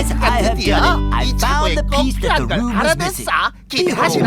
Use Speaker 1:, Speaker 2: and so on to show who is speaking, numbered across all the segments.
Speaker 1: 아이스가 드디어 이 차고에 꼭 필요한 걸 알아냈어. 기대하시나?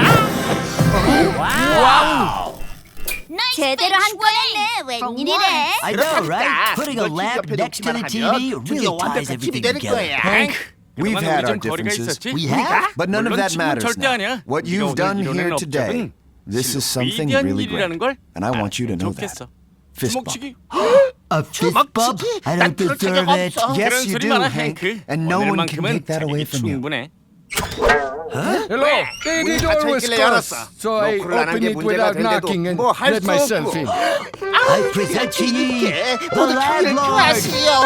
Speaker 1: 와우!
Speaker 2: 제대로 한 꺼냈네. 웬일이래?
Speaker 3: I know, right? Putting a lamp next to the TV really ties everything together.
Speaker 4: Hank, we've had our differences.
Speaker 3: We have?
Speaker 4: But none of that matters now. What you've done here today, this is something really great. And I want you to know that. Fist bump.
Speaker 3: A fist bump? I don't deserve it.
Speaker 4: Yes, you do, Hank. And no one can take that away from you.
Speaker 5: Hello. The door was closed, so I opened it without knocking and let myself in.
Speaker 3: I present to ye the landlord.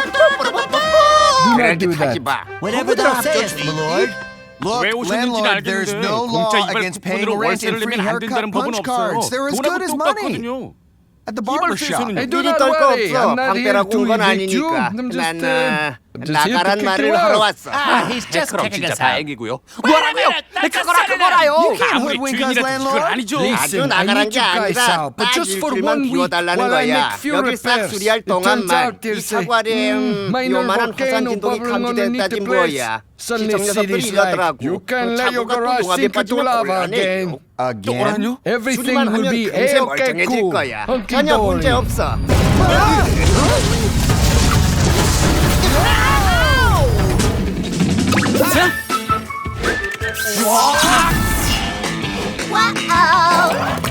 Speaker 5: Do not do that.
Speaker 3: Whatever thou sayest, my lord.
Speaker 4: Look, landlord, there's no law against paying rent and free haircut punch cards. They're as good as money. At the barber shop.
Speaker 5: Hey, do not worry. I'm not here to evict you. I'm just here to kick you out.
Speaker 1: He's just kicking us out.
Speaker 6: 뭐라고요? 그거라 그거라요.
Speaker 4: You can't hoodwink us, landlord.
Speaker 5: Listen, I need you guys out, but just for 1 week while I make few repairs. It turns out there's a minor volcano bubbling underneath the place. Suddenly city's like, you can't let your garage sink into lava again.
Speaker 4: Again?
Speaker 5: Everything will be okay, cool.
Speaker 1: 전혀 문제 없어.
Speaker 2: 와우.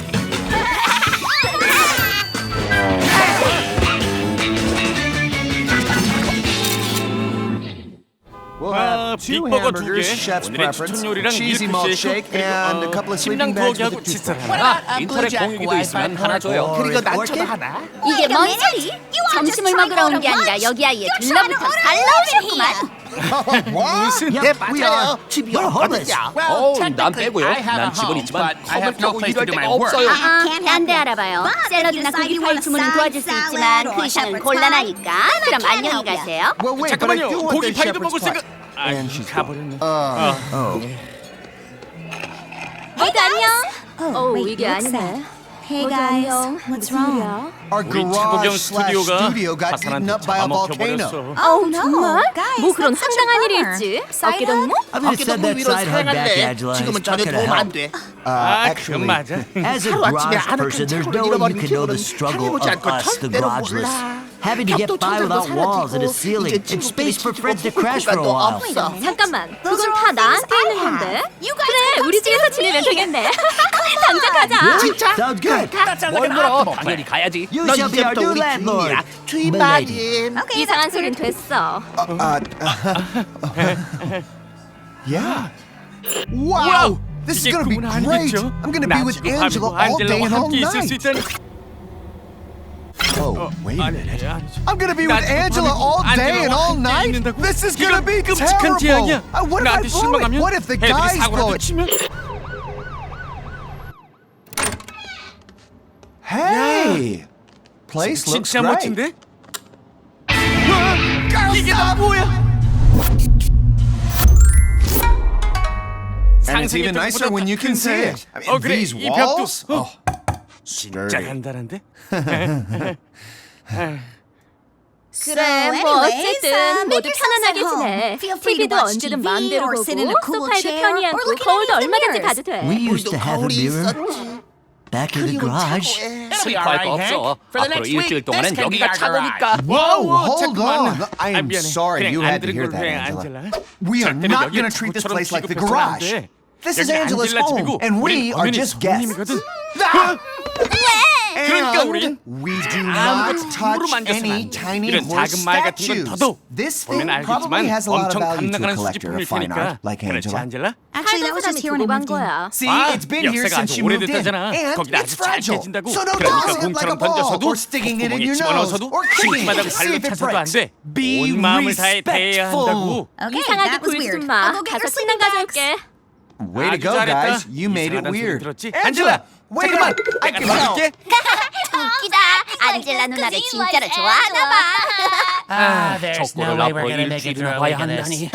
Speaker 4: We'll have 2
Speaker 6: 빅버거 2개,
Speaker 4: hamburgers, chef's
Speaker 6: 오늘의
Speaker 4: preference,
Speaker 6: 추천 요리랑
Speaker 4: cheesy
Speaker 6: 밀크
Speaker 4: malt
Speaker 6: 쉐이크,
Speaker 4: shake, and a couple of sleeping bags with a
Speaker 6: 침낭
Speaker 4: toothpick.
Speaker 6: 칫솔 하나, 인터넷 공유기도 있으면 하나 줘요.
Speaker 1: 그리고 난초도 하나.
Speaker 2: 이게 뭔 소리? 점심을 먹으러 온 게 아니라 여기 아예 들러붙어 살라오셨구만.
Speaker 1: 무슨 네 맞아요. 집이 없거든요.
Speaker 6: 난 빼고요. 난 집은 있지만 컵을 펴고 일할 데가 없어요.
Speaker 2: 딴데 알아봐요. 샐러드나 고기 파이 주문은 도와줄 수 있지만 그 이상은 곤란하니까. 그럼 안녕히 가세요.
Speaker 4: Well, wait, but I
Speaker 6: 잠깐만요.
Speaker 4: do want
Speaker 6: 고기
Speaker 4: the
Speaker 6: 파이도
Speaker 4: shepherd's
Speaker 6: 먹을 생각.
Speaker 4: pie.
Speaker 6: 아,
Speaker 4: And she's
Speaker 6: 가버렸네.
Speaker 2: 모두 안녕. 이게 아니네.
Speaker 7: Hey guys, what's wrong?
Speaker 4: Our
Speaker 6: 우리 차고경
Speaker 4: garage slash
Speaker 6: 스튜디오가
Speaker 4: studio got eaten
Speaker 6: 화산한테
Speaker 4: up by a volcano.
Speaker 6: 잡아먹혀버렸어.
Speaker 2: 정말?
Speaker 7: Guys,
Speaker 2: 뭐 그런
Speaker 7: that's such a
Speaker 2: 황당한 일이
Speaker 7: bummer.
Speaker 2: 있지?
Speaker 7: Side
Speaker 2: 어깨동무?
Speaker 3: I'm gonna send that
Speaker 1: 위로
Speaker 3: side hug back,
Speaker 1: 사용한대.
Speaker 3: Angela.
Speaker 1: 지금은
Speaker 3: It's
Speaker 1: 전혀
Speaker 3: not gonna
Speaker 1: 도움 안
Speaker 3: help.
Speaker 1: 돼.
Speaker 6: 아,
Speaker 4: Actually,
Speaker 6: 그건 맞아.
Speaker 3: As a
Speaker 1: 하루아침에
Speaker 3: garage
Speaker 1: 아는
Speaker 3: person,
Speaker 1: 큰
Speaker 3: there's
Speaker 1: 창고를
Speaker 3: no way you
Speaker 1: 잃어버린
Speaker 3: can know the
Speaker 1: 기분은
Speaker 3: struggle
Speaker 1: 해보지
Speaker 3: of
Speaker 1: 않고
Speaker 3: us, the
Speaker 1: 절대로
Speaker 3: garageless.
Speaker 1: 몰라.
Speaker 3: Having to get
Speaker 1: 벽도
Speaker 3: by without
Speaker 1: 천장도
Speaker 3: walls and a
Speaker 1: 사라지고
Speaker 3: ceiling
Speaker 1: 이제
Speaker 3: and space for
Speaker 1: 친구끼리
Speaker 3: friends to
Speaker 1: 집어
Speaker 3: crash for a
Speaker 1: 공간도
Speaker 3: while.
Speaker 1: 없어.
Speaker 2: 잠깐만, 그건 다 나한테 있는 건데. 그래, 우리 집에서 지내면 되겠네. 당장 가자.
Speaker 1: 진짜?
Speaker 3: Sounds good.
Speaker 6: 뭘 물어? 당연히 가야지.
Speaker 3: You
Speaker 1: 너
Speaker 3: shall be our
Speaker 1: 이제부터
Speaker 3: new
Speaker 1: 우리
Speaker 3: landlord.
Speaker 1: 주인이야.
Speaker 3: Milady.
Speaker 1: 주인마님.
Speaker 2: 이상한 소린 됐어.
Speaker 4: Yeah. Wow! This is
Speaker 6: 이게
Speaker 4: gonna be
Speaker 6: 꿈은
Speaker 4: great!
Speaker 6: 아니겠죠?
Speaker 4: I'm gonna be with
Speaker 6: 나 지금
Speaker 4: Angela all day and
Speaker 6: 안젤라와
Speaker 4: all
Speaker 6: 함께 있을 수
Speaker 4: night.
Speaker 6: 있다니.
Speaker 4: Oh, wait a minute.
Speaker 6: 아니지.
Speaker 4: I'm gonna be with
Speaker 6: 나
Speaker 4: Angela all day and all night? This is gonna be
Speaker 6: 끔찍한
Speaker 4: terrible!
Speaker 6: 재앙이야.
Speaker 4: What if I
Speaker 6: 나한테
Speaker 4: blow it?
Speaker 6: 실망하면
Speaker 4: What if the
Speaker 6: 애들이
Speaker 4: guys blow
Speaker 6: 사고라도
Speaker 4: it?
Speaker 6: 치면
Speaker 4: Hey! Place looks
Speaker 6: 진짜
Speaker 4: great.
Speaker 6: 멋진데? 이게 다 뭐야?
Speaker 4: And it's even nicer when you can see it. I mean,
Speaker 6: 그래,
Speaker 4: these
Speaker 6: 이 벽도
Speaker 4: walls? Oh,
Speaker 6: 진짜
Speaker 4: sturdy.
Speaker 6: 간단한데?
Speaker 2: 그래, 뭐 어쨌든 모두 편안하게 지내. TV도 언제든 마음대로 보고 소파에도 편히 앉고 거울도 얼마든지 봐도 돼.
Speaker 3: We used
Speaker 1: 우리도
Speaker 3: to have a
Speaker 1: 거울이
Speaker 3: mirror
Speaker 1: 있었지.
Speaker 3: back in the
Speaker 1: 그리고
Speaker 3: garage.
Speaker 1: 차고에.
Speaker 6: 슬퍼할 거 없어. 앞으로 일주일 동안은 여기가 차고니까.
Speaker 4: Whoa, hold
Speaker 6: 잠깐만.
Speaker 4: on. I am
Speaker 6: 미안해.
Speaker 4: sorry
Speaker 6: 그냥
Speaker 4: you
Speaker 6: 안
Speaker 4: had to
Speaker 6: 들은
Speaker 4: hear
Speaker 6: 걸
Speaker 4: that,
Speaker 6: 왜,
Speaker 4: Angela.
Speaker 6: 안젤라?
Speaker 4: We are
Speaker 6: 절대로
Speaker 4: not
Speaker 6: 여길
Speaker 4: gonna treat this
Speaker 6: 차고처럼
Speaker 4: place like the
Speaker 6: 취급해서는 안
Speaker 4: garage.
Speaker 6: 돼.
Speaker 4: This is
Speaker 6: 여기
Speaker 4: Angela's
Speaker 6: 안젤라 집이고
Speaker 4: home, and we
Speaker 6: 우린
Speaker 4: are
Speaker 6: 엄연히
Speaker 4: just guests.
Speaker 6: 손님이거든.
Speaker 4: And
Speaker 6: 그러니까 우린
Speaker 4: we do
Speaker 6: 아무것도
Speaker 4: not
Speaker 6: 함부로
Speaker 4: touch
Speaker 6: 만져서는
Speaker 4: any
Speaker 6: 안 돼.
Speaker 4: tiny
Speaker 6: 이런
Speaker 4: horse
Speaker 6: 작은 말 같은 건
Speaker 4: statues.
Speaker 6: 더더욱
Speaker 4: This thing
Speaker 6: 보면
Speaker 4: probably
Speaker 6: 알겠지만
Speaker 4: has a lot of
Speaker 6: 엄청
Speaker 4: value to a
Speaker 6: 값나가는
Speaker 4: collector
Speaker 6: 수집품일
Speaker 4: of fine
Speaker 6: 테니까.
Speaker 4: art, like
Speaker 6: 그렇지
Speaker 4: Angela.
Speaker 6: 안젤라?
Speaker 7: Actually, that was just here when I
Speaker 2: 보고 간
Speaker 7: moved in.
Speaker 2: 거야.
Speaker 4: See,
Speaker 6: 아,
Speaker 4: it's been here
Speaker 6: 역사가
Speaker 4: since
Speaker 6: 아주
Speaker 4: you moved in,
Speaker 6: 오래됐다잖아.
Speaker 4: and
Speaker 6: 거기다
Speaker 4: it's
Speaker 6: 아주 잘
Speaker 4: fragile.
Speaker 6: 깨진다고.
Speaker 4: So don't
Speaker 6: 그러니까
Speaker 4: toss it like
Speaker 6: 공처럼
Speaker 4: a ball,
Speaker 6: 던져서도
Speaker 4: or sticking it in
Speaker 6: 콧구멍에
Speaker 4: your nose,
Speaker 6: 집어넣어서도
Speaker 4: or kicking
Speaker 6: 싱크바닥
Speaker 4: it to see
Speaker 6: 발로
Speaker 4: if it
Speaker 6: 차서도 안
Speaker 4: breaks.
Speaker 6: 돼.
Speaker 4: Be
Speaker 6: 온 마음을 다해 대해야
Speaker 4: respectful.
Speaker 6: 한다고.
Speaker 7: Okay,
Speaker 2: 이상하게
Speaker 7: that was
Speaker 2: 굴지
Speaker 7: weird.
Speaker 2: 마.
Speaker 7: I'll go get
Speaker 2: 가서
Speaker 7: your
Speaker 2: 침낭
Speaker 7: sleeping bags.
Speaker 2: 가져올게.
Speaker 4: Way to
Speaker 6: 아주
Speaker 4: go,
Speaker 6: 잘했다.
Speaker 4: guys. You made it
Speaker 6: 이상하다는 소리
Speaker 4: weird.
Speaker 6: 들었지?
Speaker 4: Angela, wait a
Speaker 6: 잠깐만.
Speaker 4: minute. I
Speaker 6: 내가
Speaker 4: can tell.
Speaker 6: 도와줄게.
Speaker 2: 웃기다. 안젤라 누나를 진짜로 좋아하나 봐.
Speaker 6: 족보를 앞으로 일주일이나 봐야 한다니.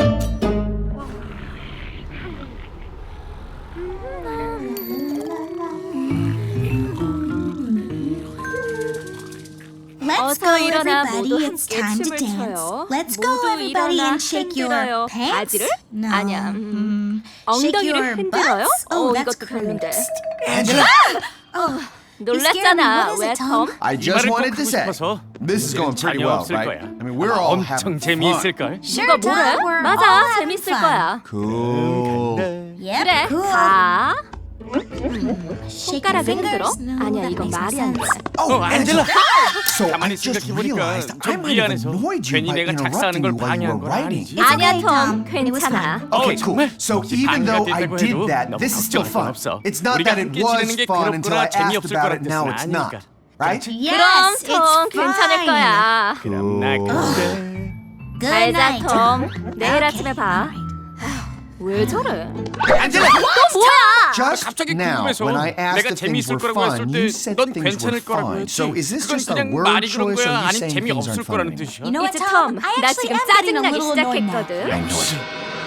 Speaker 2: 어서 일어나
Speaker 7: everybody.
Speaker 2: 모두
Speaker 7: It's
Speaker 2: 함께
Speaker 7: time to
Speaker 2: 춤을
Speaker 7: dance.
Speaker 2: 춰요.
Speaker 7: Let's go,
Speaker 2: 모두
Speaker 7: everybody,
Speaker 2: 일어나
Speaker 7: and shake your
Speaker 2: 흔들어요.
Speaker 7: pants.
Speaker 2: 바지를?
Speaker 7: No.
Speaker 2: 아니야.
Speaker 7: Shake
Speaker 2: 엉덩이를
Speaker 7: your
Speaker 2: 흔들어요?
Speaker 7: butts? Oh, that's
Speaker 2: 이것도 별론데.
Speaker 7: gross.
Speaker 4: Angela,
Speaker 2: 놀랐잖아.
Speaker 7: What is
Speaker 2: 왜
Speaker 7: it, Tom?
Speaker 2: 톰?
Speaker 4: I
Speaker 6: 이
Speaker 4: just
Speaker 6: 말을 꼭
Speaker 4: wanted to
Speaker 6: 하고
Speaker 4: say,
Speaker 6: 싶어서
Speaker 4: this is going pretty
Speaker 6: 전혀
Speaker 4: well,
Speaker 6: 없을
Speaker 4: right?
Speaker 6: 거야.
Speaker 4: I mean, we're all having
Speaker 6: 엄청 재미있을 걸.
Speaker 2: 누가 뭐래?
Speaker 7: Tom, we're all
Speaker 2: 맞아,
Speaker 7: having
Speaker 2: 재밌을
Speaker 7: fun.
Speaker 2: 거야.
Speaker 4: Cool.
Speaker 7: Yep,
Speaker 2: 그래,
Speaker 7: cool.
Speaker 2: 가.
Speaker 7: Shake
Speaker 2: 손가락을
Speaker 7: your
Speaker 2: 흔들어?
Speaker 7: fingers. No,
Speaker 2: 아니야,
Speaker 7: that
Speaker 2: 이건
Speaker 7: makes no
Speaker 2: 말이 안 돼.
Speaker 7: sense.
Speaker 4: Oh, Angela. So I
Speaker 6: 가만히
Speaker 4: just
Speaker 6: 생각해보니까
Speaker 4: realized I
Speaker 6: 좀
Speaker 4: might have
Speaker 6: 미안해서
Speaker 4: annoyed you
Speaker 6: 괜히
Speaker 4: by
Speaker 6: 내가 작사하는
Speaker 4: interrupting
Speaker 6: 걸
Speaker 4: you while you
Speaker 6: 방해한
Speaker 4: were
Speaker 6: 건
Speaker 4: writing.
Speaker 6: 아니지.
Speaker 7: It's
Speaker 2: 아니야,
Speaker 7: okay,
Speaker 2: 톰.
Speaker 7: Tom. It was
Speaker 2: 괜찮아.
Speaker 7: fun.
Speaker 4: Okay, cool.
Speaker 6: 정말?
Speaker 4: So
Speaker 6: 혹시
Speaker 4: even though I
Speaker 6: 방해가
Speaker 4: did
Speaker 6: 됐다고
Speaker 4: that,
Speaker 6: 해도
Speaker 4: this is
Speaker 6: 너무
Speaker 4: still fun.
Speaker 6: 걱정은 없어.
Speaker 4: It's not
Speaker 6: 우리가
Speaker 4: that it
Speaker 6: 함께
Speaker 4: was
Speaker 6: 지내는 게
Speaker 4: fun until I
Speaker 6: 괴롭거나
Speaker 4: asked
Speaker 6: 재미없을
Speaker 4: about
Speaker 6: 거란
Speaker 4: it. Now
Speaker 6: 뜻은
Speaker 4: it's
Speaker 6: 아니니까.
Speaker 4: not. Right?
Speaker 2: 그럼
Speaker 7: Yes,
Speaker 2: 톰
Speaker 7: it's
Speaker 2: 괜찮을
Speaker 7: fine.
Speaker 2: 거야.
Speaker 6: 그럼 나 근데
Speaker 7: Good
Speaker 2: 잘자
Speaker 7: night,
Speaker 2: 톰.
Speaker 7: Tom.
Speaker 2: 내일 아침에 봐. 왜 저래?
Speaker 6: 안젤라!
Speaker 2: 뭐야?
Speaker 4: Just
Speaker 6: 갑자기
Speaker 4: now,
Speaker 6: 궁금해서
Speaker 4: when I asked
Speaker 6: 내가
Speaker 4: if things
Speaker 6: 재미있을
Speaker 4: were
Speaker 6: 거라고 했을
Speaker 4: fun,
Speaker 6: 때
Speaker 4: you said
Speaker 6: 넌
Speaker 4: things were
Speaker 6: 괜찮을 거라고
Speaker 4: fun.
Speaker 6: 했지.
Speaker 4: So is this
Speaker 6: 그건
Speaker 4: just a
Speaker 6: 그냥
Speaker 4: word
Speaker 6: 말이 그런
Speaker 4: choice, or
Speaker 6: 거야?
Speaker 4: are you
Speaker 6: 아니면
Speaker 4: saying things
Speaker 6: 재미없을
Speaker 4: aren't
Speaker 6: 거라는
Speaker 4: funny?
Speaker 6: 뜻이야?
Speaker 7: You know what,
Speaker 2: 이제
Speaker 7: Tom?
Speaker 2: 톰,
Speaker 7: I
Speaker 2: 나
Speaker 7: actually
Speaker 2: 지금
Speaker 7: am getting a
Speaker 2: 짜증나기
Speaker 7: little annoyed now.
Speaker 2: 시작했거든.
Speaker 4: I know it.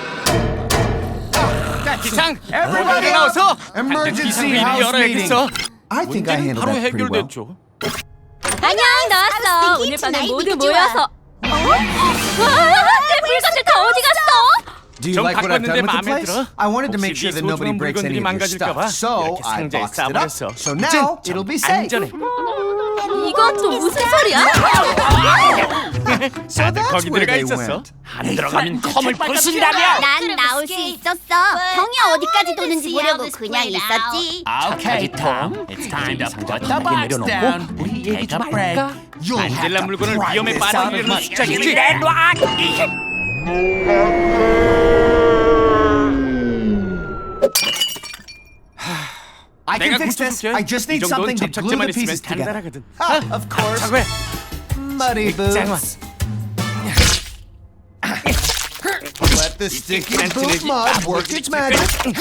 Speaker 6: 자, 기상!
Speaker 4: Everybody
Speaker 6: 모두 나와서
Speaker 4: Emergency
Speaker 6: 기상회의를
Speaker 4: house
Speaker 6: 열어야겠어.
Speaker 4: I think I
Speaker 6: 문제는
Speaker 4: handled
Speaker 6: 바로
Speaker 4: that pretty well.
Speaker 6: 해결됐죠.
Speaker 2: 안녕, 나왔어. 오늘 밤에
Speaker 7: tonight we
Speaker 2: 모두
Speaker 7: could do
Speaker 2: 모여서. 내 물건들 다 어디 갔어?
Speaker 4: Do you
Speaker 6: 좀
Speaker 4: like what I've
Speaker 6: 바꿨는데
Speaker 4: done with the
Speaker 6: 마음에
Speaker 4: place?
Speaker 6: 들어?
Speaker 4: I wanted to make
Speaker 6: 혹시
Speaker 4: sure that
Speaker 6: 네
Speaker 4: nobody
Speaker 6: 소중한
Speaker 4: breaks any
Speaker 6: 물건들이
Speaker 4: of your stuff.
Speaker 6: 망가질까 봐
Speaker 4: So
Speaker 6: 이렇게
Speaker 4: I
Speaker 6: 상자에
Speaker 4: boxed it up.
Speaker 6: 싸버렸어.
Speaker 4: So now
Speaker 6: 이제
Speaker 4: it'll be safe.
Speaker 6: 안전해.
Speaker 2: 이건 또 무슨 소리야?
Speaker 4: So
Speaker 6: 다들
Speaker 4: that's
Speaker 6: 거기
Speaker 4: where
Speaker 6: 들어가
Speaker 4: they
Speaker 6: 있었어.
Speaker 4: went.
Speaker 6: 안 들어가면 컴을 부순다며.
Speaker 8: 난 나올 수 있었어. 형이 어디까지 도는지 보려고 그냥 있었지.
Speaker 3: Okay, Tom. It's time to put the box down. We take a break.
Speaker 4: You'll have
Speaker 6: 안젤라
Speaker 4: to
Speaker 6: 물건을
Speaker 4: pry
Speaker 6: 위험에
Speaker 4: this out of
Speaker 6: 빠뜨리려는
Speaker 4: my
Speaker 6: 수작이지.
Speaker 4: I
Speaker 6: 내가
Speaker 4: can fix this.
Speaker 6: 고쳐줄게.
Speaker 4: I just need
Speaker 6: 이 정도는
Speaker 4: something to glue
Speaker 6: 접착제만
Speaker 4: the
Speaker 6: 있으면
Speaker 4: pieces together.
Speaker 6: 간단하거든.
Speaker 4: Ah, of course.
Speaker 6: 자고해.
Speaker 4: Muddy
Speaker 6: 장원.
Speaker 4: boots. Let the sticky
Speaker 6: 안
Speaker 4: boot
Speaker 6: 찌르지.
Speaker 4: mud work its magic.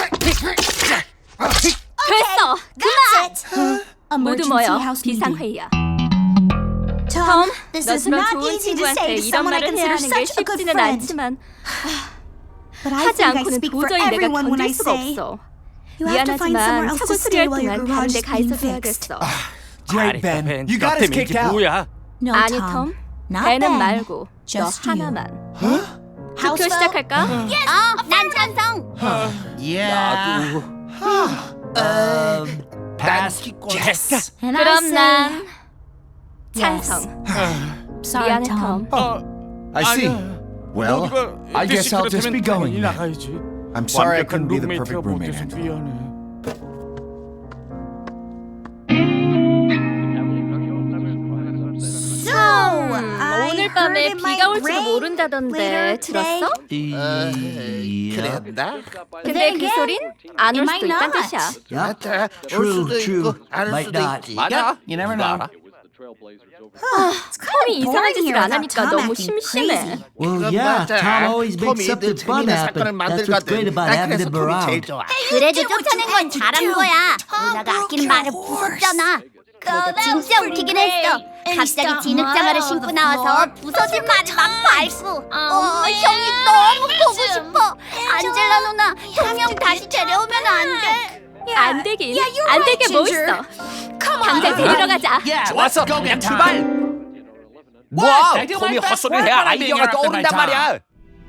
Speaker 2: 됐어. 그만. 모두
Speaker 7: Emergency
Speaker 2: 모여.
Speaker 7: house meeting.
Speaker 2: 비상회의야.
Speaker 7: Tom, this is
Speaker 2: 너처럼
Speaker 7: not
Speaker 2: 좋은
Speaker 7: easy to
Speaker 2: 친구한테
Speaker 7: say to
Speaker 2: 이런
Speaker 7: someone I
Speaker 2: 말을 해야
Speaker 7: consider
Speaker 2: 하는 게
Speaker 7: such a good
Speaker 2: 쉽지는
Speaker 7: friend.
Speaker 2: 않지만
Speaker 7: But I
Speaker 2: 하지
Speaker 7: think I
Speaker 2: 않고는
Speaker 7: speak for
Speaker 2: 도저히 내가
Speaker 7: everyone when I
Speaker 2: 견딜 수가
Speaker 7: say
Speaker 2: 없어.
Speaker 7: you have to find somewhere
Speaker 2: 미안하지만
Speaker 7: else
Speaker 2: 차고
Speaker 7: to stay
Speaker 2: 수리할
Speaker 7: while your
Speaker 2: 동안 다른
Speaker 7: garage
Speaker 2: 데
Speaker 7: is
Speaker 2: 가
Speaker 7: being
Speaker 2: 있어도
Speaker 7: fixed.
Speaker 2: 해야겠어.
Speaker 4: Great, Ben. You got us kicked
Speaker 6: 이게
Speaker 4: out.
Speaker 6: 뭐야?
Speaker 7: No,
Speaker 2: 아니
Speaker 7: Tom.
Speaker 2: 톰,
Speaker 7: Not
Speaker 2: 배는
Speaker 7: Ben.
Speaker 2: 말고 너
Speaker 7: Just you.
Speaker 2: 하나만.
Speaker 7: House
Speaker 2: 투표 시작할까?
Speaker 8: 난 찬성.
Speaker 3: Yeah. Pass. Yes.
Speaker 7: And I
Speaker 2: 그럼
Speaker 7: say,
Speaker 2: 난
Speaker 7: yes.
Speaker 2: 찬성.
Speaker 7: Sorry,
Speaker 2: 미안해
Speaker 7: Tom.
Speaker 2: 톰.
Speaker 4: I see.
Speaker 6: 아니야.
Speaker 4: Well,
Speaker 6: 모두가
Speaker 4: I guess
Speaker 6: 뜻이
Speaker 4: I'll just be
Speaker 6: 그렇다면
Speaker 4: going.
Speaker 6: 당연히 나가야지.
Speaker 4: I'm sorry I
Speaker 6: 완벽한
Speaker 4: couldn't be the
Speaker 6: 룸메이트가
Speaker 4: perfect roommate,
Speaker 6: 못돼서
Speaker 4: Angela.
Speaker 6: 미안해.
Speaker 2: 오늘 밤에 비가 올지도 모른다던데 들었어?
Speaker 1: 그랬나?
Speaker 2: 근데 그 소린 안 올 수도 있단 뜻이야.
Speaker 1: 맞아. 올
Speaker 3: True,
Speaker 1: 수도
Speaker 3: true.
Speaker 1: 있고 안 올
Speaker 3: Might
Speaker 1: 수도
Speaker 3: not.
Speaker 1: 있지.
Speaker 6: 맞아.
Speaker 3: You never know.
Speaker 2: 톰이 이상한 짓을
Speaker 7: here
Speaker 2: 안
Speaker 7: without
Speaker 2: 하니까
Speaker 7: Tom
Speaker 2: 너무
Speaker 7: acting
Speaker 2: 심심해.
Speaker 7: crazy.
Speaker 3: Well,
Speaker 1: 그건
Speaker 3: yeah,
Speaker 1: 맞아.
Speaker 3: Tom always makes
Speaker 1: 톰이
Speaker 3: something
Speaker 1: 늘
Speaker 3: fun
Speaker 1: 재밌는
Speaker 3: happen.
Speaker 1: 사건을
Speaker 3: That's what's great
Speaker 1: 만들거든.
Speaker 3: about
Speaker 1: 난
Speaker 3: having
Speaker 1: 그래서
Speaker 3: him
Speaker 1: 톰이 제일
Speaker 3: around.
Speaker 1: 좋아.
Speaker 8: 그래도 쫓아낸 건 잘한 거야. 누나가 아끼는 말을 부쉈잖아. 그래도 진짜 웃기긴 했어. 갑자기 진흙장화를 신고 나와서 부서진 말을 막 밟고. 형이 너무 보고 싶어. 안젤라 누나, 형 다시 데려오면 안 돼.
Speaker 2: 안 되긴. 안 될 게 뭐 있어. 당장 데리러 가자.
Speaker 6: 좋았어. 그냥 출발. 와, 톰이 헛소리를 해야 아이디어가 떠오른단 말이야.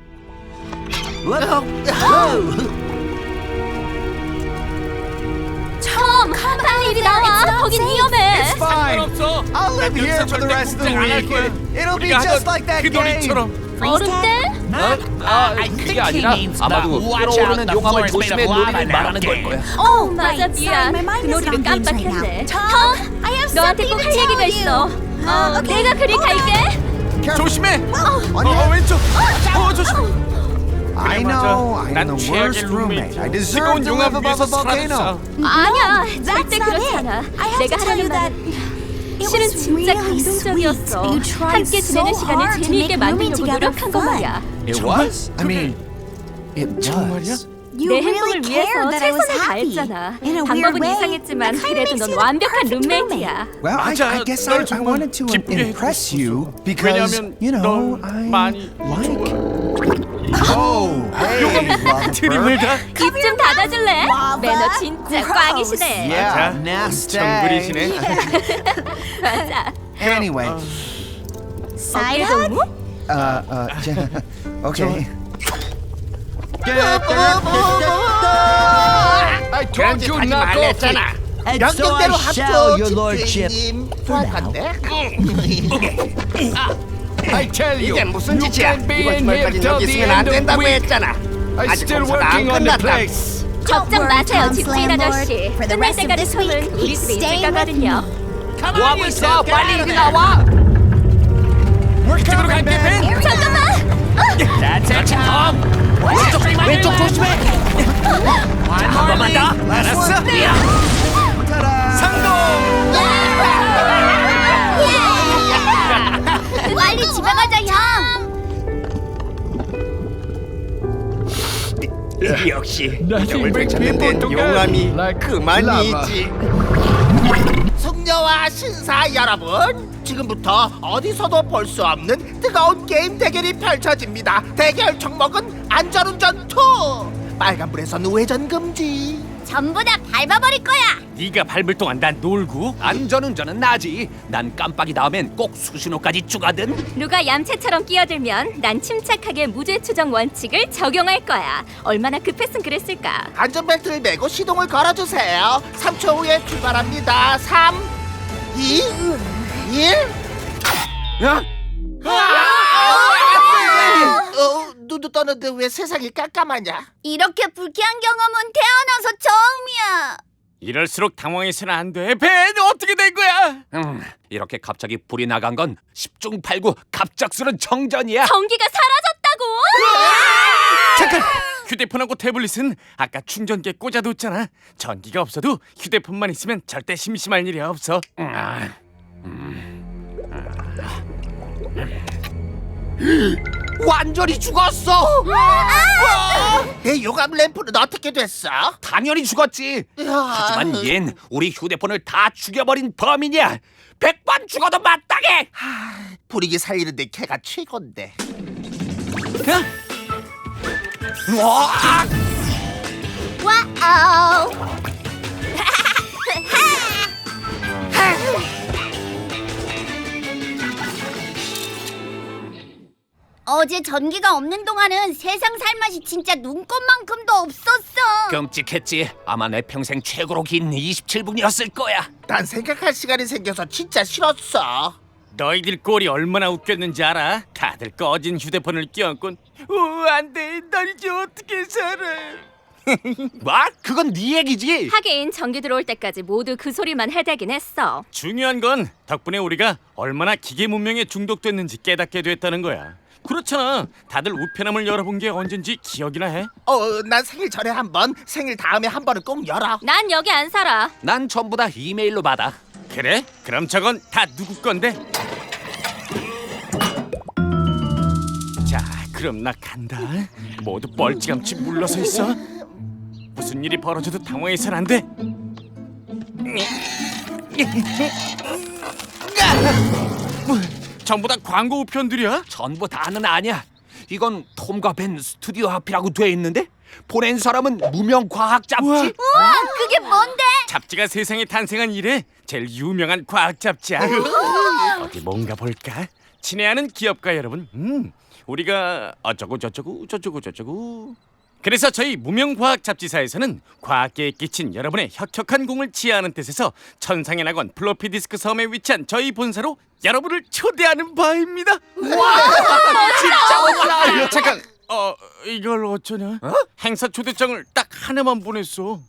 Speaker 2: 톰, 빨리 이리 나와. 거긴 위험해.
Speaker 4: It's fine.
Speaker 6: 상관없어.
Speaker 4: I'll live here for the rest of the week. It'll be just like that
Speaker 6: 그
Speaker 4: game.
Speaker 6: 놀이처럼.
Speaker 2: 얼음대?
Speaker 6: 그게 아니라 아마도 끓어오르는 용암을 조심해 놀이를 말하는 걸 거야.
Speaker 2: 맞아, 미안.
Speaker 7: Sorry, my mind
Speaker 2: 그
Speaker 7: is
Speaker 2: 놀이를
Speaker 7: on games right
Speaker 2: 깜빡했네.
Speaker 7: now.
Speaker 2: 톰,
Speaker 7: I have
Speaker 2: 너한테
Speaker 7: something
Speaker 2: 꼭
Speaker 7: to
Speaker 2: 할 얘기가
Speaker 7: tell
Speaker 2: 있어.
Speaker 7: you. Okay.
Speaker 2: 내가 그리 갈게.
Speaker 6: 조심해.
Speaker 4: On your
Speaker 6: 왼쪽. 조심.
Speaker 4: I
Speaker 6: 맞아.
Speaker 4: know. I'm
Speaker 6: 난
Speaker 4: the
Speaker 6: 최악의
Speaker 4: worst roommate. I
Speaker 6: 룸메이트.
Speaker 4: deserve
Speaker 6: 뜨거운
Speaker 4: to
Speaker 6: 용암
Speaker 4: live above
Speaker 6: 위에서
Speaker 4: a volcano.
Speaker 6: 살아났어.
Speaker 2: 아니야,
Speaker 7: That's
Speaker 2: 절대
Speaker 7: not
Speaker 2: 그렇지
Speaker 7: it.
Speaker 2: 않아.
Speaker 7: I have
Speaker 2: 내가
Speaker 7: to tell you
Speaker 2: 하려는
Speaker 7: that
Speaker 2: 말은
Speaker 7: it
Speaker 2: 실은
Speaker 7: was
Speaker 2: 진짜
Speaker 7: really
Speaker 2: 감동적이었어.
Speaker 7: sweet. You tried
Speaker 2: 함께 지내는
Speaker 7: so
Speaker 2: 시간을
Speaker 7: hard to
Speaker 2: 재미있게
Speaker 7: make rooming
Speaker 2: 만들려고
Speaker 7: together
Speaker 2: 노력한 거
Speaker 7: fun.
Speaker 2: 말이야.
Speaker 4: It was? I mean, it
Speaker 6: 정말이야?
Speaker 4: was.
Speaker 7: You
Speaker 2: 내
Speaker 7: really
Speaker 2: 행복을 위해서
Speaker 7: cared that I was
Speaker 2: 최선을
Speaker 7: happy.
Speaker 2: 다했잖아.
Speaker 7: In a weird
Speaker 2: 방법은
Speaker 7: way,
Speaker 2: 이상했지만
Speaker 7: that kind of
Speaker 2: 그래도
Speaker 7: makes
Speaker 2: 넌
Speaker 7: you the
Speaker 2: 완벽한
Speaker 7: perfect
Speaker 2: 룸메이트야.
Speaker 4: Well, I
Speaker 6: 맞아.
Speaker 4: guess
Speaker 6: 널
Speaker 4: I
Speaker 6: 정말
Speaker 4: wanted to
Speaker 6: 기쁘게
Speaker 4: impress
Speaker 6: 해줬었어.
Speaker 4: you because,
Speaker 6: 왜냐면
Speaker 4: you know,
Speaker 6: 널
Speaker 4: I
Speaker 6: 많이
Speaker 4: like. Oh, hey, love
Speaker 6: 트림을 다.
Speaker 2: 입 좀 닫아줄래? 매너 진짜 꽝이시네.
Speaker 4: Yeah,
Speaker 6: 자,
Speaker 4: nasty.
Speaker 6: 정글이시네.
Speaker 2: 맞아.
Speaker 4: Anyway,
Speaker 7: Side
Speaker 2: 어깨
Speaker 7: hug?
Speaker 2: 동무?
Speaker 4: Okay.
Speaker 3: I told you
Speaker 5: 하지
Speaker 3: knock off it.
Speaker 5: 말랬잖아.
Speaker 3: And so
Speaker 5: 명령대로
Speaker 3: I shall,
Speaker 5: 합조
Speaker 3: your lordship.
Speaker 5: 집주인님.
Speaker 3: For
Speaker 5: 할
Speaker 3: now.
Speaker 5: 건데?
Speaker 3: I tell you,
Speaker 5: 이게 무슨
Speaker 3: you
Speaker 5: 짓이야?
Speaker 3: can't be
Speaker 5: 이번
Speaker 3: in here
Speaker 5: 주말까지
Speaker 3: till
Speaker 5: 여기
Speaker 3: the
Speaker 5: 있으면 안
Speaker 3: end of the
Speaker 5: 된다고
Speaker 3: week.
Speaker 5: 했잖아.
Speaker 3: I'm
Speaker 5: 아직
Speaker 3: still
Speaker 5: 공사가 안
Speaker 3: working on the
Speaker 5: 끝났다.
Speaker 3: place.
Speaker 2: 걱정
Speaker 7: worry,
Speaker 2: 마세요,
Speaker 7: Tom's
Speaker 2: 집주인
Speaker 7: landlord.
Speaker 2: 아저씨.
Speaker 7: For the
Speaker 2: 끝날
Speaker 7: rest of
Speaker 2: 때까지
Speaker 7: this week,
Speaker 2: 틈은 우리
Speaker 7: he's
Speaker 2: 집에 있을
Speaker 7: staying with
Speaker 2: 거거든요.
Speaker 6: 뭐하고 있어? 빨리 이리 나와. 이쪽으로 갈게, 벤.
Speaker 2: 잠깐만!
Speaker 6: That's it, 톰. 왼쪽 조심해. 한 번만 더. 알았어.
Speaker 8: 빨리 집에 가자, 형.
Speaker 5: 역시
Speaker 3: Nothing
Speaker 5: 이정을
Speaker 3: brings
Speaker 5: 되찾는
Speaker 3: people
Speaker 5: 데는
Speaker 3: together
Speaker 5: 용암이
Speaker 3: like
Speaker 5: 그만이지. 숙녀와 신사 여러분, 지금부터 어디서도 볼 수 없는 뜨거운 게임 대결이 펼쳐집니다. 대결 종목은 안전운전 2. 빨간불에선 우회전 금지.
Speaker 8: 전부 다 밟아버릴 거야.
Speaker 6: 네가 밟을 동안 난 놀고. 안전운전은 나지. 난 깜빡이 나오면 꼭 수신호까지 추가든.
Speaker 2: 누가 얌체처럼 끼어들면 난 침착하게 무죄 추정 원칙을 적용할 거야. 얼마나 급했으면 그랬을까.
Speaker 5: 안전벨트를 매고 시동을 걸어주세요. 3초 후에 출발합니다. 3, 2, 1. 눈도 떠는데 왜 세상이 깜깜하냐?
Speaker 8: 이렇게 불쾌한 경험은 태어나서 처음이야.
Speaker 6: 이럴수록 당황해서는 안 돼. 벤, 어떻게 된 거야? 이렇게 갑자기 불이 나간 건 10중 8구 갑작스런 정전이야.
Speaker 2: 전기가 사라졌다고?
Speaker 6: 잠깐! 휴대폰하고 태블릿은 아까 충전기에 꽂아뒀잖아. 전기가 없어도 휴대폰만 있으면 절대 심심할 일이 없어. 완전히 죽었어!
Speaker 5: 내 요감 램프는 어떻게 됐어?
Speaker 6: 당연히 죽었지. 하지만 얜 우리 휴대폰을 다 죽여버린 범인이야. 100번 죽어도 마땅해.
Speaker 5: 분위기 살리는데 걔가 최고인데.
Speaker 6: 와!
Speaker 8: 와우. 어제 전기가 없는 동안은 세상 살맛이 진짜 눈꽃만큼도 없었어.
Speaker 6: 끔찍했지. 아마 내 평생 최고로 긴 27분이었을 거야.
Speaker 5: 난 생각할 시간이 생겨서 진짜 싫었어.
Speaker 6: 너희들 꼴이 얼마나 웃겼는지 알아? 다들 꺼진 휴대폰을 끼얹곤 안돼, 날 이제 어떻게 살아. 뭐? 그건 네 얘기지.
Speaker 2: 하긴 전기 들어올 때까지 모두 그 소리만 해대긴 했어.
Speaker 6: 중요한 건 덕분에 우리가 얼마나 기계 문명에 중독됐는지 깨닫게 됐다는 거야. 그렇잖아. 다들 우편함을 열어본 게 언젠지 기억이나 해?
Speaker 5: 난 생일 전에 한 번, 생일 다음에 한 번은 꼭 열어.
Speaker 2: 난 여기 안 살아.
Speaker 6: 난 전부 다 이메일로 받아. 그래? 그럼 저건 다 누구 건데? 자, 그럼 나 간다. 모두 뻘찌감치 물러서 있어. 무슨 일이 벌어져도 당황해서는 안 돼. 전부 다 광고 우편들이야? 전부 다는 아니야. 이건 톰과 벤 스튜디오 앞이라고 돼 있는데 보낸 사람은 무명 과학 잡지.
Speaker 8: 우와, 그게 뭔데?
Speaker 6: 잡지가 세상에 탄생한 이래 제일 유명한 과학 잡지야. 어디 뭔가 볼까? 친애하는 기업가 여러분, 우리가 어쩌고 저쩌고 저쩌고 저쩌고. 그래서 저희 무명과학 잡지사에서는 과학계에 끼친 여러분의 혁혁한 공을 지하하는 뜻에서 천상의 낙원 플로피 디스크 섬에 위치한 저희 본사로 여러분을 초대하는 바입니다. 와, 진짜 멋지다. 잠깐, 이걸 어쩌냐? 행사 초대장을 딱 하나만 보냈어.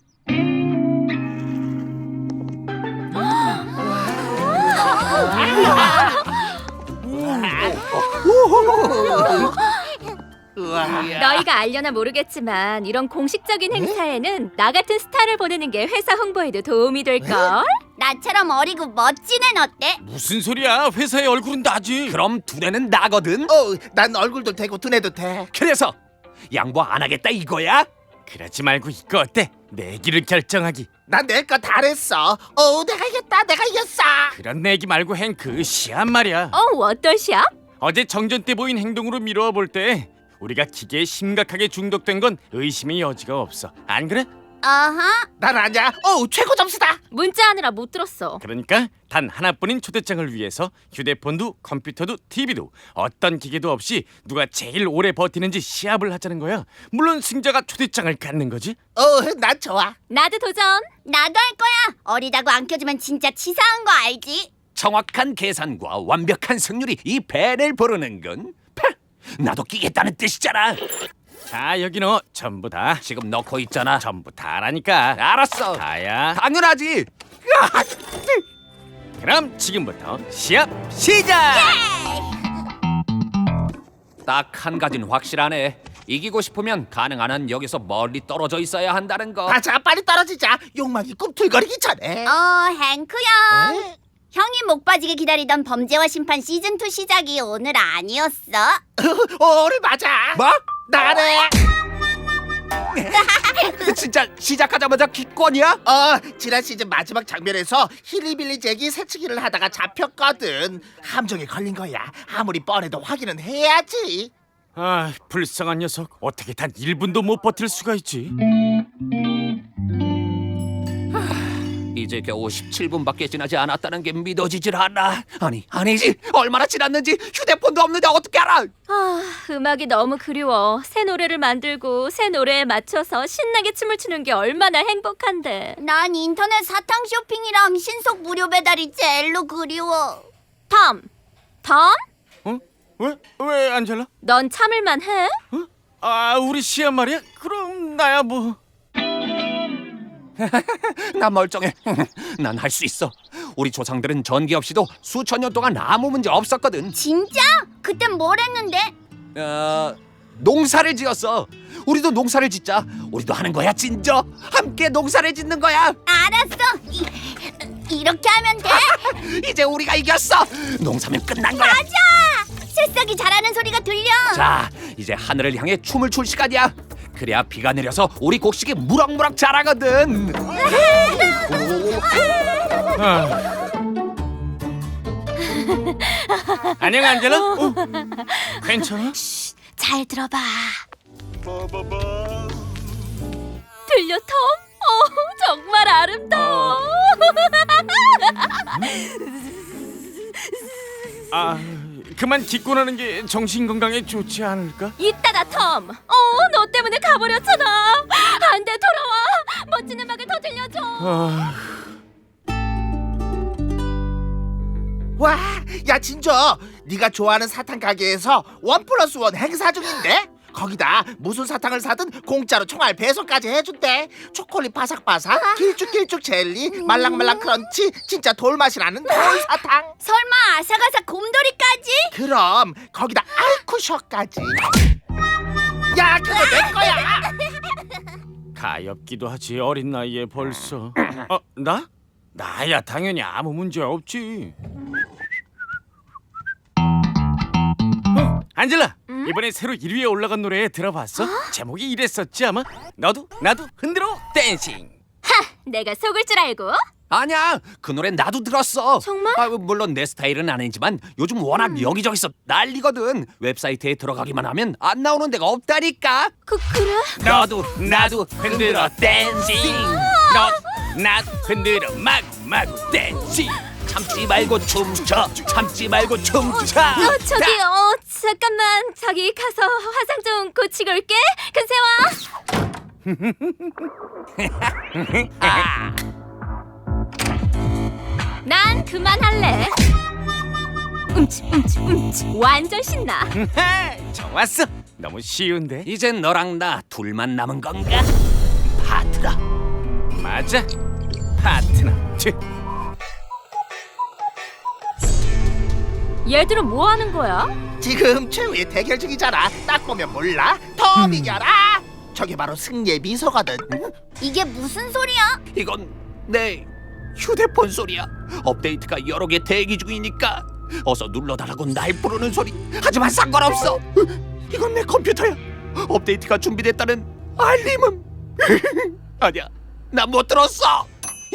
Speaker 2: 너희가 알려나 모르겠지만 이런 공식적인 행사에는 나 같은 스타를 보내는 게 회사 홍보에도 도움이 될걸?
Speaker 8: 나처럼 어리고 멋진 애는 어때?
Speaker 6: 무슨 소리야? 회사의 얼굴은 나지. 그럼 두뇌는 나거든.
Speaker 5: 난 얼굴도 되고 두뇌도 돼.
Speaker 6: 그래서 양보 안 하겠다 이거야? 그러지 말고 이거 어때? 내기를 결정하기.
Speaker 5: 난 낼 거 다 했어. 내가 이겼다. 내가 이겼어.
Speaker 6: 그런 내기 말고 행그 시한 말이야.
Speaker 2: 어떤 시합?
Speaker 6: 어제 정전 때 보인 행동으로 미루어 볼 때 우리가 기계에 심각하게 중독된 건 의심의 여지가 없어. 안 그래?
Speaker 8: 아하.
Speaker 1: 난 아냐. 최고 점수다.
Speaker 2: 문자하느라 못 들었어.
Speaker 6: 그러니까 단 하나뿐인 초대장을 위해서 휴대폰도 컴퓨터도 TV도 어떤 기계도 없이 누가 제일 오래 버티는지 시합을 하자는 거야. 물론 승자가 초대장을 갖는 거지.
Speaker 1: 난 좋아.
Speaker 2: 나도 도전.
Speaker 8: 나도 할 거야. 어리다고 안 껴주면 진짜 치사한 거 알지?
Speaker 9: 정확한 계산과 완벽한 승률이 이 벤을 부르는군. 나도 끼겠다는 뜻이잖아.
Speaker 6: 자, 여기 너 전부 다.
Speaker 9: 지금 넣고 있잖아.
Speaker 6: 전부 다라니까.
Speaker 9: 알았어.
Speaker 6: 다야.
Speaker 9: 당연하지.
Speaker 6: 그럼 지금부터 시합 시작.
Speaker 9: 딱 한 가지는 확실하네. 이기고 싶으면 가능한 한 여기서 멀리 떨어져 있어야 한다는 거.
Speaker 1: 자, 빨리 떨어지자. 욕망이 꿈틀거리기 전에.
Speaker 8: 행크 형. 형이 목 빠지게 기다리던 범죄와 심판 시즌2 시작이 오늘 아니었어?
Speaker 1: 오늘 맞아.
Speaker 9: 뭐?
Speaker 1: 나래.
Speaker 9: 진짜 시작하자마자 기권이야?
Speaker 1: 지난 시즌 마지막 장면에서 힐리빌리 잭이 새치기를 하다가 잡혔거든. 함정에 걸린 거야. 아무리 뻔해도 확인은 해야지.
Speaker 6: 아, 불쌍한 녀석. 어떻게 단 1분도 못 버틸 수가 있지?
Speaker 9: 이제 겨우 17분밖에 지나지 않았다는 게 믿어지질 않아. 아니지. 얼마나 지났는지 휴대폰도 없는데 어떻게 알아?
Speaker 2: 음악이 너무 그리워. 새 노래를 만들고 새 노래에 맞춰서 신나게 춤을 추는 게 얼마나 행복한데.
Speaker 8: 난 인터넷 사탕 쇼핑이랑 신속 무료 배달이 제일로 그리워.
Speaker 2: 톰!
Speaker 6: 왜 안젤라?
Speaker 2: 넌 참을만 해?
Speaker 6: 우리 시합 말이야? 그럼 나야 뭐.
Speaker 9: 나 멀쩡해. 난 할 수 있어. 우리 조상들은 전기 없이도 수천 년 동안 아무 문제 없었거든.
Speaker 8: 진짜? 그땐 뭘 했는데?
Speaker 9: 농사를 지었어. 우리도 농사를 짓자. 우리도 하는 거야, 진저. 함께 농사를 짓는 거야.
Speaker 8: 알았어. 이렇게 하면 돼?
Speaker 9: 이제 우리가 이겼어. 농사면 끝난 거야.
Speaker 8: 맞아! 새싹이 자라는 소리가 들려.
Speaker 9: 자, 이제 하늘을 향해 춤을 출 시간이야. 그래야 비가 내려서 우리 곡식이 무럭무럭 자라거든.
Speaker 6: 안녕 안젤라. 괜찮아?
Speaker 2: 잘 들어봐. 들려 톰? 정말 아름다워.
Speaker 6: 그만 기권하는 게 정신 건강에 좋지 않을까?
Speaker 2: 이따가 톰. 너 때문에 가버렸잖아. 안 돼, 돌아와. 멋진 음악을 더 들려줘.
Speaker 1: 와, 야 진저, 네가 좋아하는 사탕 가게에서 1+1 행사 중인데? 거기다 무슨 사탕을 사든 공짜로 총알 배송까지 해준대. 초콜릿 바삭바삭, 길쭉길쭉 젤리, 말랑말랑 크런치, 진짜 돌맛이 나는 돌 사탕.
Speaker 8: 설마 아삭아삭 곰돌이까지?
Speaker 1: 그럼 거기다 알쿠셔까지. 야, 그거 내 거야.
Speaker 6: 가엾기도 하지. 어린 나이에 벌써. 나? 나야 당연히 아무 문제 없지. 안젤라, 이번에 새로 1위에 올라간 노래 들어봤어? 제목이 이랬었지 아마? 너도 나도 흔들어 댄싱.
Speaker 2: 내가 속을 줄 알고?
Speaker 9: 아니야, 그 노래 나도 들었어.
Speaker 2: 정말?
Speaker 9: 물론 내 스타일은 아니지만 요즘 워낙 여기저기서 난리거든. 웹사이트에 들어가기만 하면 안 나오는 데가 없다니까.
Speaker 2: 그래?
Speaker 6: 너도 나도 흔들어 댄싱. 너도 나도 흔들어 마구 댄싱.
Speaker 9: 참지 말고 춤춰. 참지 말고 춤춰.
Speaker 2: 잠깐만. 저기 가서 화상 좀 고치고 올게. 근세 와. 난 그만할래. 완전 신나.
Speaker 6: 좋았어. 너무 쉬운데.
Speaker 9: 이젠 너랑 나 둘만 남은 건가? 파트너.
Speaker 6: 맞아. 파트너.
Speaker 2: 얘들은 뭐 하는 거야?
Speaker 1: 지금 최후의 대결 중이잖아. 딱 보면 몰라? 톰 이겨라. 저게 바로 승리의 미소거든.
Speaker 8: 이게 무슨 소리야?
Speaker 9: 이건 내 휴대폰 소리야. 업데이트가 여러 개 대기 중이니까 어서 눌러달라고 날 부르는 소리. 하지만 상관없어. 이건 내 컴퓨터야. 업데이트가 준비됐다는 알림음. 아니야, 난 못 들었어.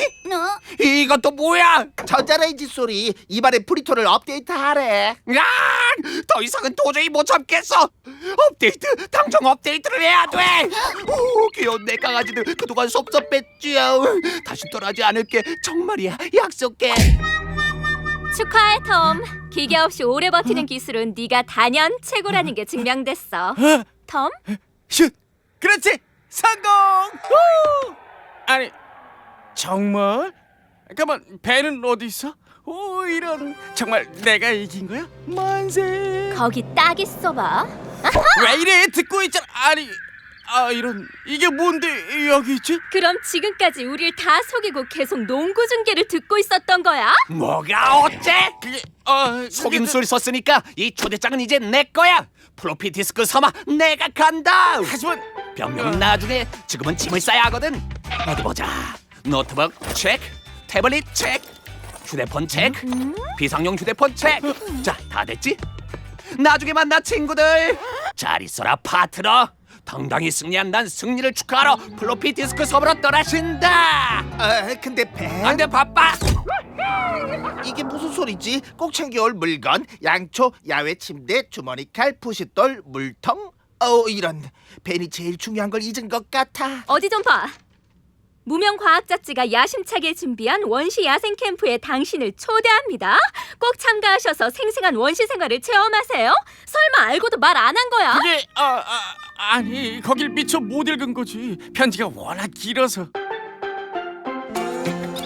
Speaker 9: 이것도 뭐야?
Speaker 1: 전자레인지 소리. 이번에 프리토를 업데이트하래.
Speaker 9: 야! 더 이상은 도저히 못 참겠어. 업데이트, 당장 업데이트를 해야 돼. 오, 귀여운 내 강아지들 그동안 섭섭했지요. 다시 떠나지 않을게. 정말이야, 약속해.
Speaker 2: 축하해 톰. 기계 없이 오래 버티는 기술은 네가 단연 최고라는 게 증명됐어. 톰?
Speaker 6: 슛! 그렇지! 성공! 후! 아니 정말? 잠깐만 배는 어디 있어? 오 이런 정말 내가 이긴 거야? 만세!
Speaker 2: 거기 딱 있어봐.
Speaker 6: 왜 이래 듣고 있잖아. 아니 이런 이게 뭔데 여기 있지?
Speaker 2: 그럼 지금까지 우릴 다 속이고 계속 농구 중계를 듣고 있었던 거야?
Speaker 9: 뭐가 어째?
Speaker 6: 그게
Speaker 9: 속임수를 썼으니까 이 초대장은 이제 내 거야. 플로피 디스크 삼아 내가 간다.
Speaker 6: 하지만
Speaker 9: 병명은 나중에, 지금은 짐을 싸야 하거든. 어디 보자. 노트북 체크, 태블릿 체크, 휴대폰 체크, 비상용 휴대폰 체크. 자, 다 됐지? 나중에 만나 친구들. 잘 있어라 파트너. 당당히 승리한 난 승리를 축하하러 플로피 디스크 섬으로 떠나신다.
Speaker 1: 근데 벤
Speaker 9: 안돼 바빠.
Speaker 1: 이게 무슨 소리지? 꼭 챙겨올 물건. 양초, 야외 침대, 주머니 칼, 푸싯돌, 물통. 이런. 벤이 제일 중요한 걸 잊은 것 같아.
Speaker 2: 어디 좀 봐. 무명 과학 잡지가 야심차게 준비한 원시 야생 캠프에 당신을 초대합니다. 꼭 참가하셔서 생생한 원시 생활을 체험하세요. 설마 알고도 말 안 한 거야?
Speaker 6: 그게 아니 거길 미처 못 읽은 거지. 편지가 워낙 길어서.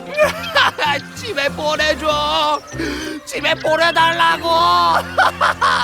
Speaker 9: 집에 보내줘. 집에 보내달라고.